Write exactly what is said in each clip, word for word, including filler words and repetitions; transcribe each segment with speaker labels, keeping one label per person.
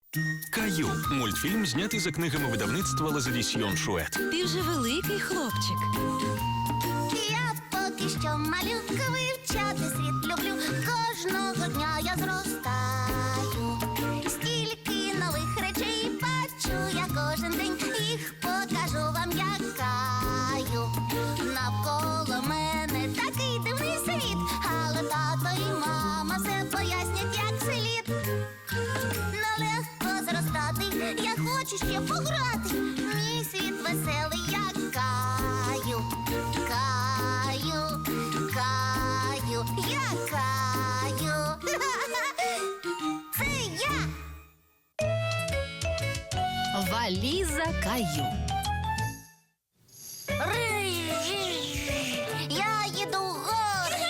Speaker 1: Каю – мультфільм, знятий за книгами видавництва Лазадісьйон Шует.
Speaker 2: Ти вже великий хлопчик.
Speaker 3: Я поки що малюка, вивчати світ люблю. Кожного дня я зростаю. Стільки нових речей бачу я кожен день. Їх покажу вам, як Каю. Навколо мене такий дивний світ, але тато і мама все пояснять, як слід. Нелегко зростати, я хочу ще пограти. Мій світ веселий, як Каю. Каю, Каю, я Каю. Це я.
Speaker 2: Валіза Каю.
Speaker 3: Я їду в гори.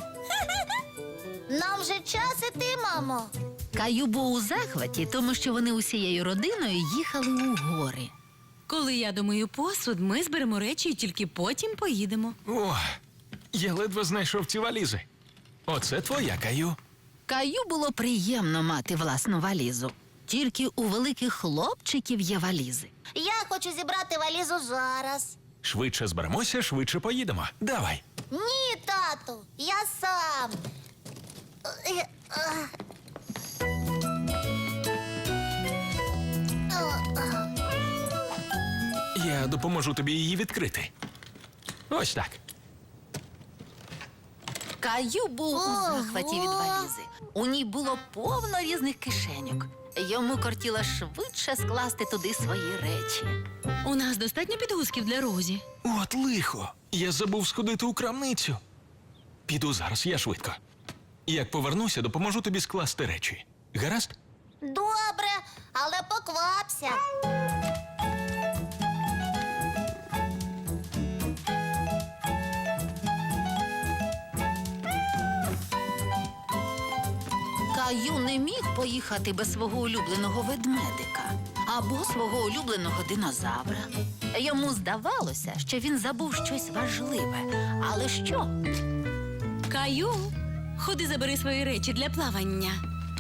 Speaker 3: Нам вже час іти, мамо.
Speaker 2: Каю був у захваті, тому що вони усією родиною їхали у гори. Коли я думаю посуд, ми зберемо речі і тільки потім поїдемо.
Speaker 1: О, я ледве знайшов ці валізи. Оце твоя, Каю.
Speaker 2: Каю було приємно мати власну валізу. Тільки у великих хлопчиків є валізи.
Speaker 3: Я хочу зібрати валізу зараз.
Speaker 1: Швидше зберемося, швидше поїдемо. Давай.
Speaker 3: Ні, тату, я сам. Е, е. О, о.
Speaker 1: Я допоможу тобі її відкрити. Ось так.
Speaker 2: Каю був у
Speaker 3: Ого!
Speaker 2: захваті від валізи. У ній було повно різних кишеньок. Йому кортіло швидше скласти туди свої речі. У нас достатньо підгузків для Розі.
Speaker 1: От лихо. Я забув сходити у крамницю. Піду зараз, я швидко. Як повернуся, допоможу тобі скласти речі. Гаразд?
Speaker 3: Добре, але поквапся.
Speaker 2: Каю не міг поїхати без свого улюбленого ведмедика або свого улюбленого динозавра. Йому здавалося, що він забув щось важливе. Але що? Каю, ходи забери свої речі для плавання.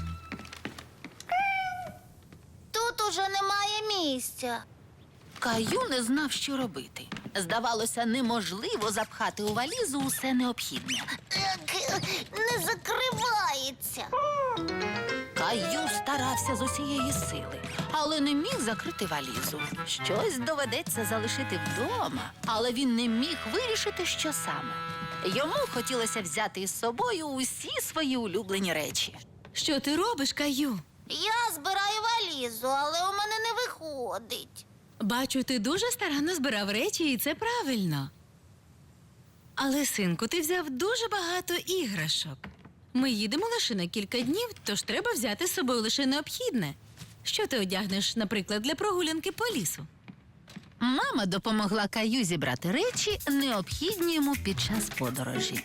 Speaker 3: Тут уже немає місця.
Speaker 2: Каю не знав, що робити. Здавалося, неможливо запхати у валізу усе необхідне.
Speaker 3: Ех, не закривається.
Speaker 2: Каю старався з усієї сили, але не міг закрити валізу. Щось доведеться залишити вдома, але він не міг вирішити, що саме. Йому хотілося взяти із собою усі свої улюблені речі. Що ти робиш, Каю?
Speaker 3: Я збираю валізу, але у мене не виходить.
Speaker 4: Бачу, ти дуже старанно збирав речі, і це правильно. Але, синку, ти взяв дуже багато іграшок. Ми їдемо лише на кілька днів, тож треба взяти з собою лише необхідне. Що ти одягнеш, наприклад, для прогулянки по лісу?
Speaker 2: Мама допомогла Каю зібрати речі, необхідні йому під час подорожі.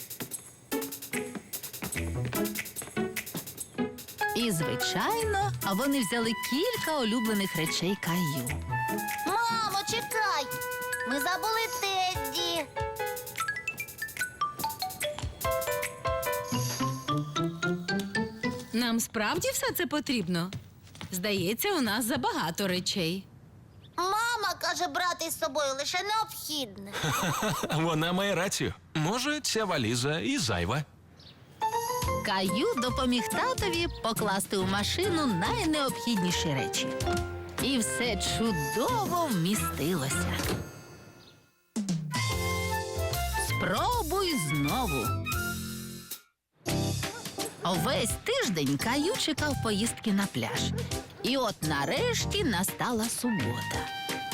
Speaker 2: І, звичайно, вони взяли кілька улюблених речей Каю.
Speaker 3: Мамо, чекай! Ми забули Тедді.
Speaker 4: Нам справді все це потрібно? Здається, у нас забагато речей.
Speaker 3: Мама каже брати з собою лише необхідне.
Speaker 1: Вона має рацію. Може, ця валіза і зайва.
Speaker 2: Каю допоміг татові покласти у машину найнеобхідніші речі. І все чудово вмістилося. Спробуй знову. Весь тиждень Каю чекав поїздки на пляж. І от нарешті настала субота.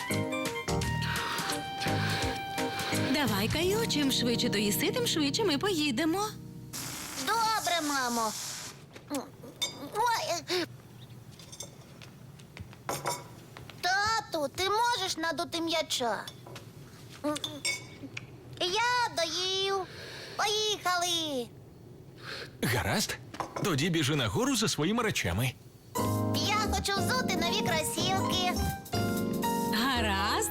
Speaker 4: Давай, Каю, чим швидше доїси, тим швидше ми поїдемо.
Speaker 3: Добре, мамо. Ой. е. Тату, ти можеш надути м'яча? Я доїв. Поїхали.
Speaker 1: Гаразд? Тоді біжи нагору за своїми речами.
Speaker 3: Я хочу взути нові кросівки.
Speaker 4: Гаразд.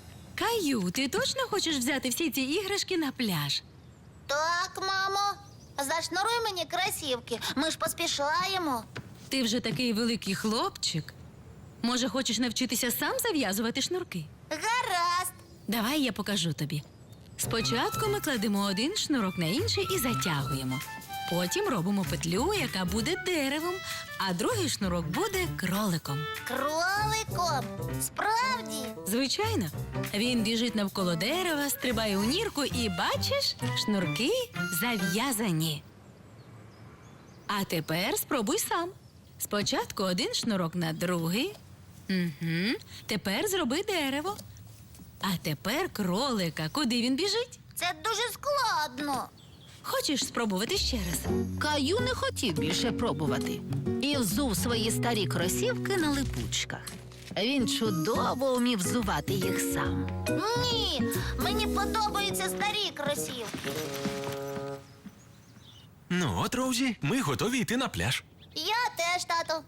Speaker 4: Каю, ти точно хочеш взяти всі ці іграшки на пляж?
Speaker 3: Так, мамо. Зашнуруй мені кросівки. Ми ж поспішаємо.
Speaker 4: Ти вже такий великий хлопчик. Може, хочеш навчитися сам зав'язувати шнурки?
Speaker 3: Гаразд.
Speaker 4: Давай я покажу тобі. Спочатку ми кладемо один шнурок на інший і затягуємо. Потім робимо петлю, яка буде деревом, а другий шнурок буде кроликом.
Speaker 3: Кроликом. Справді.
Speaker 4: Звичайно, він біжить навколо дерева, стрибає у нірку і, бачиш, шнурки зав'язані. А тепер спробуй сам. Спочатку один шнурок на другий. Угу. Тепер зроби дерево. А тепер кролика. Куди він біжить?
Speaker 3: Це дуже складно.
Speaker 4: Хочеш спробувати ще раз?
Speaker 2: Каю не хотів більше пробувати і взув свої старі кросівки на липучках. Він чудово вмів взувати їх сам.
Speaker 3: Ні, мені подобаються старі кросівки.
Speaker 1: Ну от, Роузі, ми готові йти на пляж.
Speaker 3: Я теж, тату.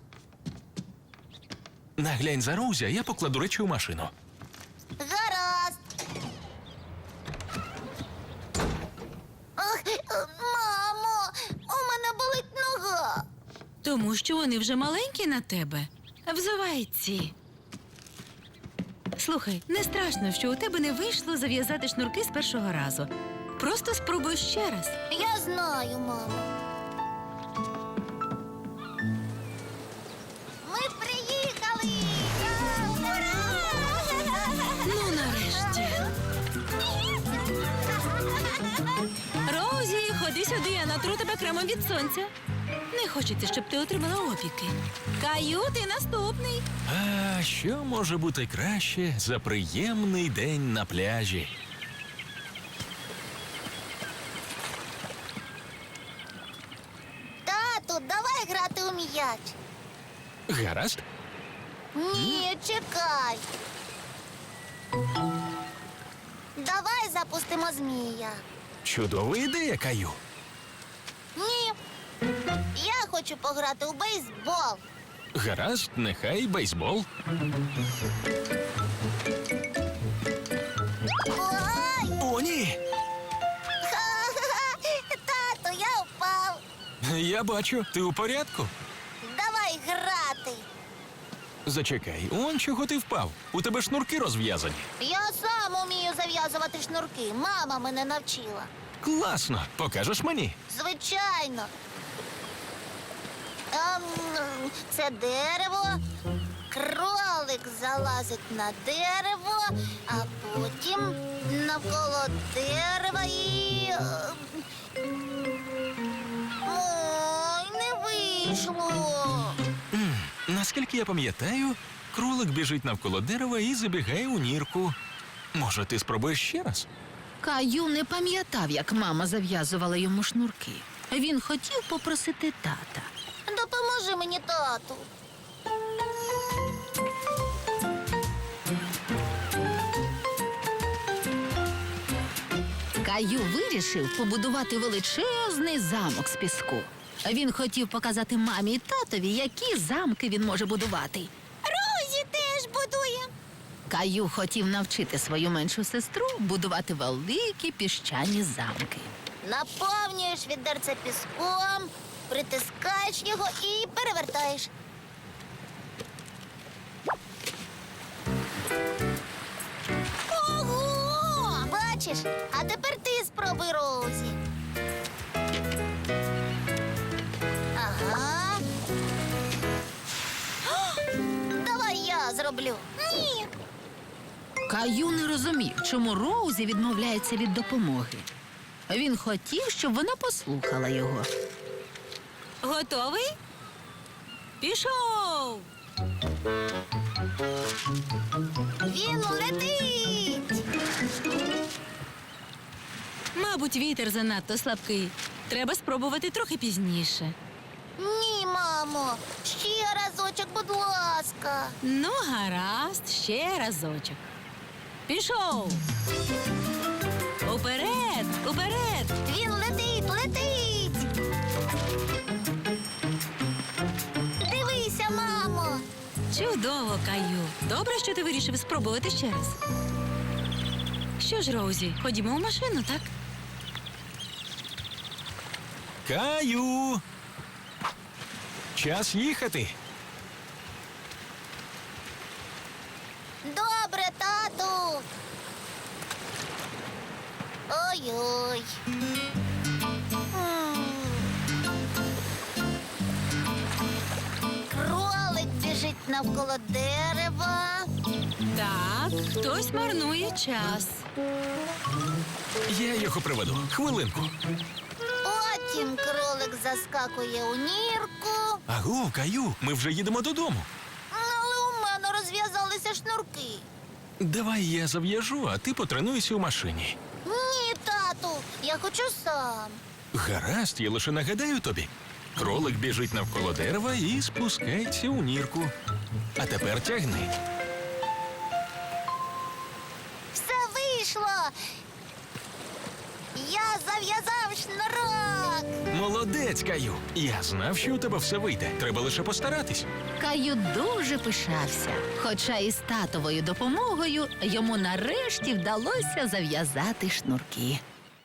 Speaker 1: Наглянь за Роузі, а я покладу речі у машину.
Speaker 3: Гаразд. Ох, мамо, у мене болить нога.
Speaker 4: Тому що вони вже маленькі на тебе. Взувай ці. Слухай, не страшно, що у тебе не вийшло зав'язати шнурки з першого разу. Просто спробуй ще раз.
Speaker 3: Я знаю, мамо. Ми приїхали! А, ура!
Speaker 4: Ну, нарешті. Роузі, ходи сюди, я натру тебе кремом від сонця. Не хочеться, щоб ти отримала опіки. Каю, ти наступний.
Speaker 1: А що може бути краще за приємний день на пляжі?
Speaker 3: Тату, давай грати у м'яч.
Speaker 1: Гаразд?
Speaker 3: Ні, чекай. Давай запустимо змія.
Speaker 1: Чудова ідея, Каю.
Speaker 3: Ні. Я хочу пограти у бейсбол.
Speaker 1: Гаразд, нехай бейсбол.
Speaker 3: Ой!
Speaker 1: О, ні!
Speaker 3: Ха-ха-ха! Тату, я впав.
Speaker 1: Я бачу, ти у порядку?
Speaker 3: Давай грати.
Speaker 1: Зачекай, он чого ти впав? У тебе шнурки розв'язані.
Speaker 3: Я сам умію зав'язувати шнурки. Мама мене навчила.
Speaker 1: Класно, покажеш мені?
Speaker 3: Звичайно. Ем, це дерево. Кролик залазить на дерево, а потім навколо дерева і. ем, Ой, не вийшло.
Speaker 1: М, наскільки я пам'ятаю, кролик біжить навколо дерева і забігає у нірку. Може, ти спробуєш ще раз?
Speaker 2: Каю не пам'ятав, як мама зав'язувала йому шнурки. Він хотів попросити тата.
Speaker 3: Допоможи мені, тату.
Speaker 2: Каю вирішив побудувати величезний замок з піску. Він хотів показати мамі і татові, які замки він може будувати.
Speaker 3: Розі теж будує.
Speaker 2: Каю хотів навчити свою меншу сестру будувати великі піщані замки.
Speaker 3: Наповнюєш відерце піском, притискаєш його і перевертаєш. Ого! Бачиш? А тепер ти спробуй, Роузі. Ага. Давай я зроблю. Ні.
Speaker 2: Каю не розумів, чому Роузі відмовляється від допомоги. Він хотів, щоб вона послухала його.
Speaker 4: Готовий? Пішов!
Speaker 3: Він летить.
Speaker 4: Мабуть, вітер занадто слабкий. Треба спробувати трохи пізніше.
Speaker 3: Ні, мамо. Ще разочок, будь ласка.
Speaker 4: Ну, гаразд, ще разочок. Пішов! Уперед! Уперед!
Speaker 3: Він летить, летить. Дивися, мамо.
Speaker 4: Чудово, Каю. Добре, що ти вирішив спробувати ще раз. Що ж, Роузі, ходімо в машину, так?
Speaker 1: Каю! Час їхати.
Speaker 3: Добре, тату. Ой-ой. М. Кролик біжить навколо дерева.
Speaker 4: Так, хтось марнує час.
Speaker 1: Я його приведу. Хвилинку.
Speaker 3: Потім кролик заскакує у нірку.
Speaker 1: Аго, Каю, ми вже їдемо додому.
Speaker 3: Але у мене розв'язалися шнурки.
Speaker 1: Давай я зав'яжу, а ти потренуйся у машині.
Speaker 3: Ні, тату, я хочу сам.
Speaker 1: Гаразд, я лише нагадаю тобі. Кролик біжить навколо дерева і спускається у нірку. А тепер тягни.
Speaker 3: Все вийшло. Я зав'язав шнурок.
Speaker 1: Молодець, Каю. Я знав, що у тебе все вийде. Треба лише постаратись.
Speaker 2: Каю дуже пишався, хоча і з татовою допомогою йому нарешті вдалося зав'язати шнурки.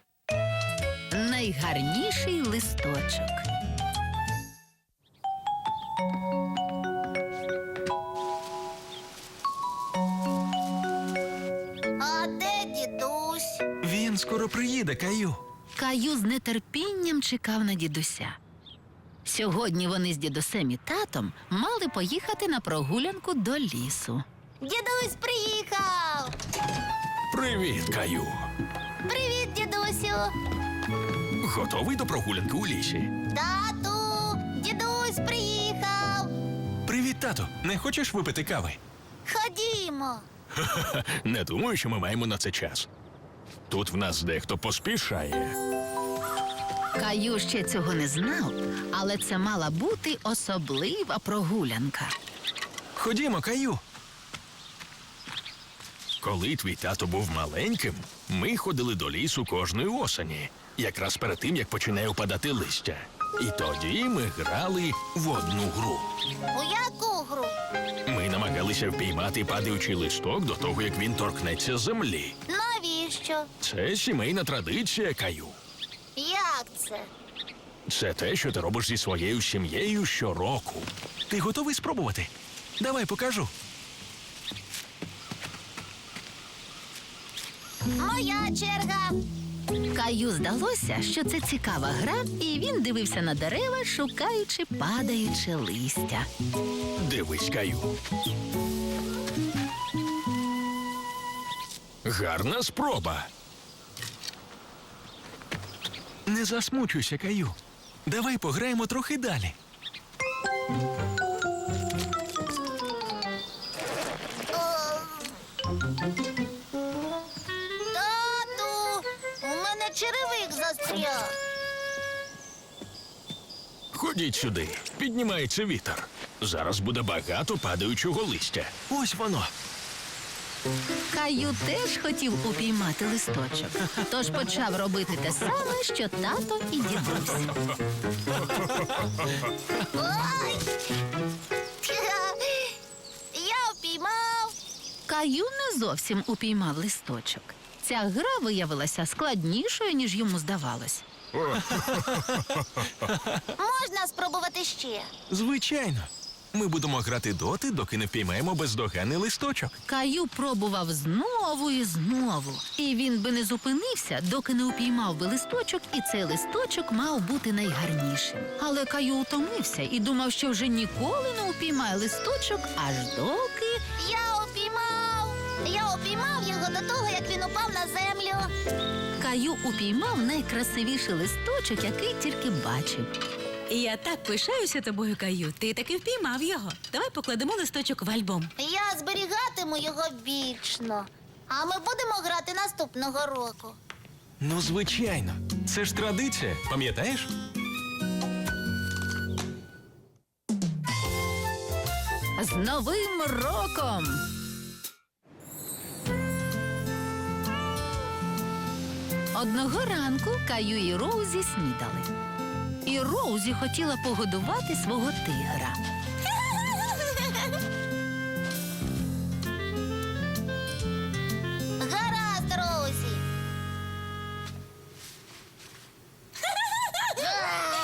Speaker 2: Найгарніший листочок.
Speaker 3: А де дідусь?
Speaker 1: Він скоро приїде, Каю.
Speaker 2: Каю з нетерпінням чекав на дідуся. Сьогодні вони з дідусем і татом мали поїхати на прогулянку до лісу.
Speaker 3: Дідусь приїхав.
Speaker 1: Привіт, Каю.
Speaker 3: Привіт, дідусю.
Speaker 1: Готовий до прогулянки у лісі?
Speaker 3: Тату, дідусь приїхав.
Speaker 1: Привіт, тато. Не хочеш випити кави?
Speaker 3: Ходімо.
Speaker 1: Не думаю, що ми маємо на це час. Тут в нас дехто поспішає.
Speaker 2: Каю ще цього не знав, але це мала бути особлива прогулянка.
Speaker 1: Ходімо, Каю. Коли твій тато був маленьким, ми ходили до лісу кожної осені, якраз перед тим, як починає опадати листя. І тоді ми грали в одну гру.
Speaker 3: У яку гру?
Speaker 1: Ми намагалися впіймати падаючий листок до того, як він торкнеться землі.
Speaker 3: Навіщо?
Speaker 1: Це сімейна традиція, Каю.
Speaker 3: Як це?
Speaker 1: Це те, що ти робиш зі своєю сім'єю щороку. Ти готовий спробувати? Давай покажу.
Speaker 3: Моя черга.
Speaker 2: Каю здалося, що це цікава гра, і він дивився на дерева, шукаючи падаюче листя.
Speaker 1: Дивись, Каю. Гарна спроба. Не засмучуйся, Каю. Давай пограємо трохи далі.
Speaker 3: Тату, у мене черевик застряг.
Speaker 1: Ходіть сюди. Піднімається вітер. Зараз буде багато падаючого листя. Ось воно.
Speaker 2: Каю теж хотів упіймати листочок, тож почав робити те саме, що тато і дідусь.
Speaker 3: Ой! Я впіймав.
Speaker 2: Каю не зовсім упіймав листочок. Ця гра виявилася складнішою, ніж йому здавалось.
Speaker 3: Можна спробувати ще.
Speaker 1: Звичайно. Ми будемо грати доти, доки не впіймаємо бездоганний листочок.
Speaker 2: Каю пробував знову і знову. І він би не зупинився, доки не упіймав би листочок, і цей листочок мав бути найгарнішим. Але Каю утомився і думав, що вже ніколи не упіймає листочок, аж доки...
Speaker 3: Я упіймав. Я упіймав його до того, як він упав на землю.
Speaker 2: Каю упіймав найкрасивіший листочок, який тільки бачив.
Speaker 4: Я так пишаюся тобою, Каю. Ти таки впіймав його. Давай покладемо листочок в альбом.
Speaker 3: Я зберігатиму його вічно. А ми будемо грати наступного року.
Speaker 1: Ну, звичайно. Це ж традиція, пам'ятаєш?
Speaker 2: З Новим роком! Одного ранку Каю і Роузі снідали. І Роузі хотіла погодувати свого тигра.
Speaker 3: Гаразд, Роузі.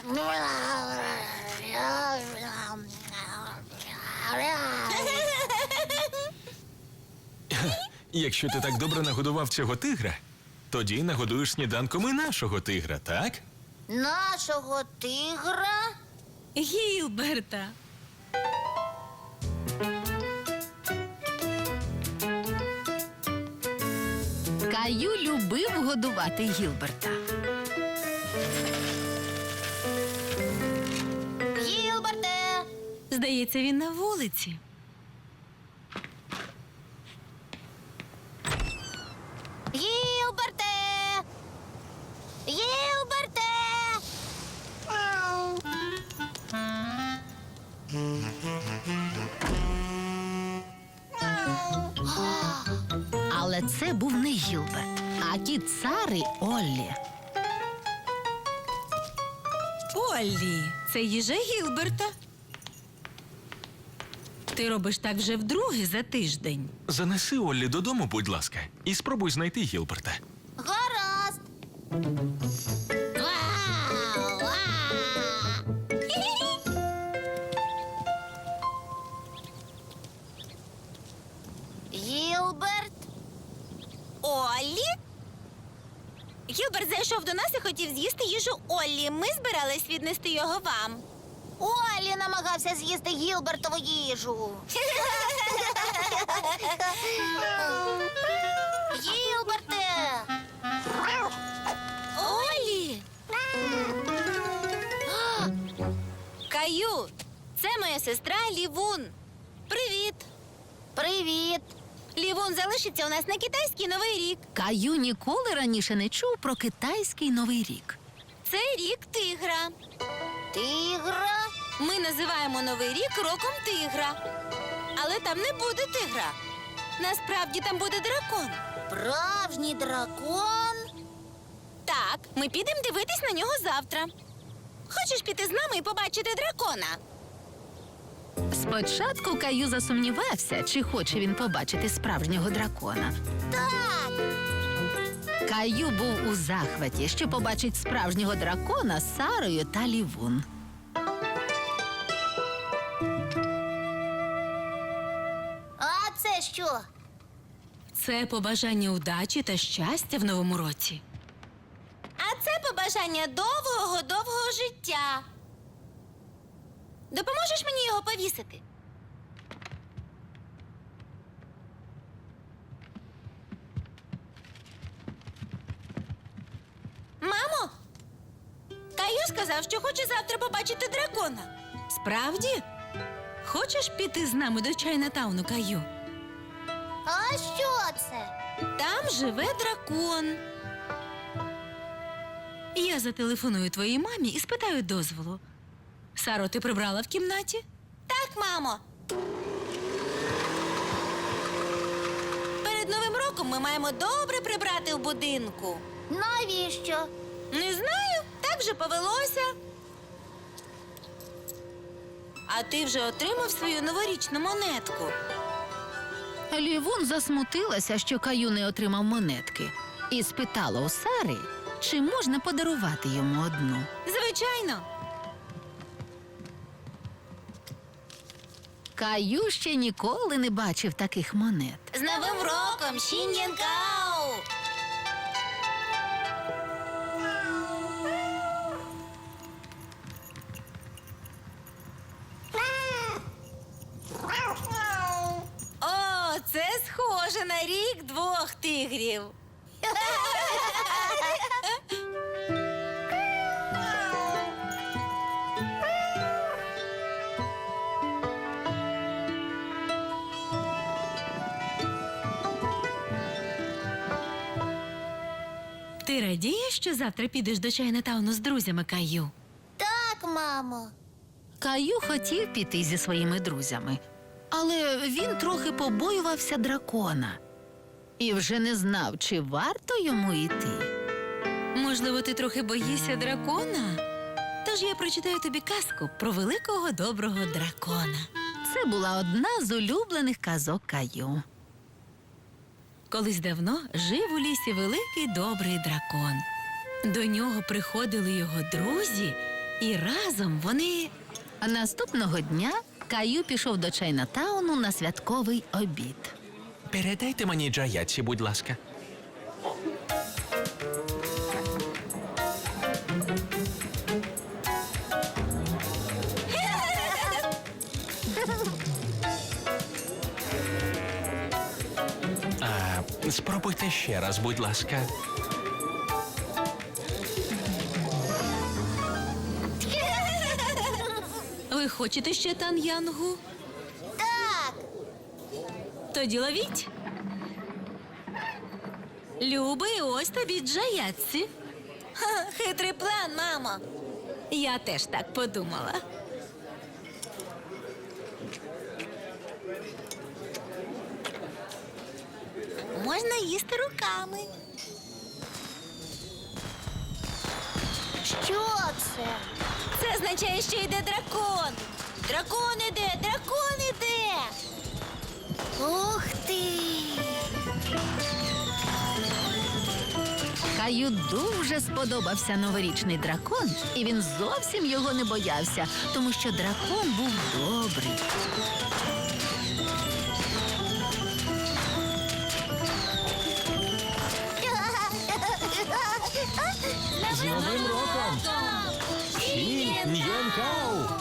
Speaker 1: Якщо ти так добре нагодував цього тигра, тоді нагодуєш сніданком і нашого тигра, так?
Speaker 3: Нашого тигра?
Speaker 4: Гілберта.
Speaker 2: Каю любив годувати Гілберта.
Speaker 3: Гілберте!
Speaker 4: Здається, він на вулиці.
Speaker 3: Гілберте! Гілберте!
Speaker 2: Але це був не Гілберт, а кіт Сари Оллі.
Speaker 4: Оллі, це їжа Гілберта. Ти робиш так вже вдруге за тиждень.
Speaker 1: Занеси Оллі додому, будь ласка, і спробуй знайти Гілберта.
Speaker 3: Гаразд! Гілберт?
Speaker 5: Оллі? Гілберт зайшов до нас і хотів з'їсти їжу Оллі. Ми збирались віднести його вам.
Speaker 3: Оллі намагався з'їсти Гілбертову їжу. Гілберте!
Speaker 5: Оллі! Каю, це моя сестра Лівун. Привіт!
Speaker 3: Привіт!
Speaker 5: Лівун залишиться у нас на китайський Новий рік.
Speaker 2: Каю ніколи раніше не чув про китайський Новий рік.
Speaker 5: Це рік тигра.
Speaker 3: Тигра?
Speaker 5: Ми називаємо Новий рік роком тигра. Але там не буде тигра. Насправді там буде дракон.
Speaker 3: Справжній дракон?
Speaker 5: Так, ми підемо дивитись на нього завтра. Хочеш піти з нами і побачити дракона?
Speaker 2: Спочатку Каю засумнівався, чи хоче він побачити справжнього дракона.
Speaker 3: Так!
Speaker 2: Каю був у захваті, що побачить справжнього дракона з Сарою та Лівун.
Speaker 3: А це що?
Speaker 4: Це побажання удачі та щастя в новому році.
Speaker 5: А це побажання довгого-довгого життя. Допоможеш мені його повісити? Мамо, Каю сказав, що хоче завтра побачити дракона.
Speaker 4: Справді? Хочеш піти з нами до Чайнатауну, Каю?
Speaker 3: А що це?
Speaker 5: Там живе дракон.
Speaker 4: Я зателефоную твоїй мамі і спитаю дозволу. Саро, ти прибрала в кімнаті?
Speaker 5: Так, мамо. Перед Новим роком ми маємо добре прибрати в будинку.
Speaker 3: Навіщо?
Speaker 5: Не знаю, так вже повелося. А ти вже отримав свою новорічну монетку.
Speaker 2: Лівун засмутилася, що Каю не отримав монетки, і спитала у Сари, чи можна подарувати йому одну.
Speaker 5: Звичайно.
Speaker 2: Каю ще ніколи не бачив таких монет.
Speaker 5: З Новим роком, Шін'янкау! О, це схоже на рік двох тигрів.
Speaker 4: Ти радієш, що завтра підеш до Чайнатауну з друзями, Каю?
Speaker 3: Так, мамо.
Speaker 2: Каю хотів піти зі своїми друзями, але він трохи побоювався дракона і вже не знав, чи варто йому йти.
Speaker 4: Можливо, ти трохи боїшся дракона? Тож я прочитаю тобі казку про великого доброго дракона.
Speaker 2: Це була одна з улюблених казок Каю.
Speaker 4: Колись давно жив у лісі великий добрий дракон. До нього приходили його друзі І разом вони.
Speaker 2: А наступного дня Каю пішов до Чайнатауну на святковий обід.
Speaker 6: Передайте мені Джаяці, будь ласка. А, спробуйте ще раз, будь ласка.
Speaker 4: Ви хочете ще тан'янгу?
Speaker 3: Так.
Speaker 4: Тоді ловіть. Любий, ось тобі Джаяці.
Speaker 5: Ха, хитрий план, мамо.
Speaker 4: Я теж так подумала.
Speaker 5: Можна їсти руками.
Speaker 3: Що це?
Speaker 5: Це означає, що йде дракон. Дракон іде, дракон іде.
Speaker 3: Ух ти!
Speaker 2: Каю дуже сподобався новорічний дракон, і він зовсім його не боявся, тому що дракон був добрий.
Speaker 1: З Новим роком! Всі Ньєн-Кау!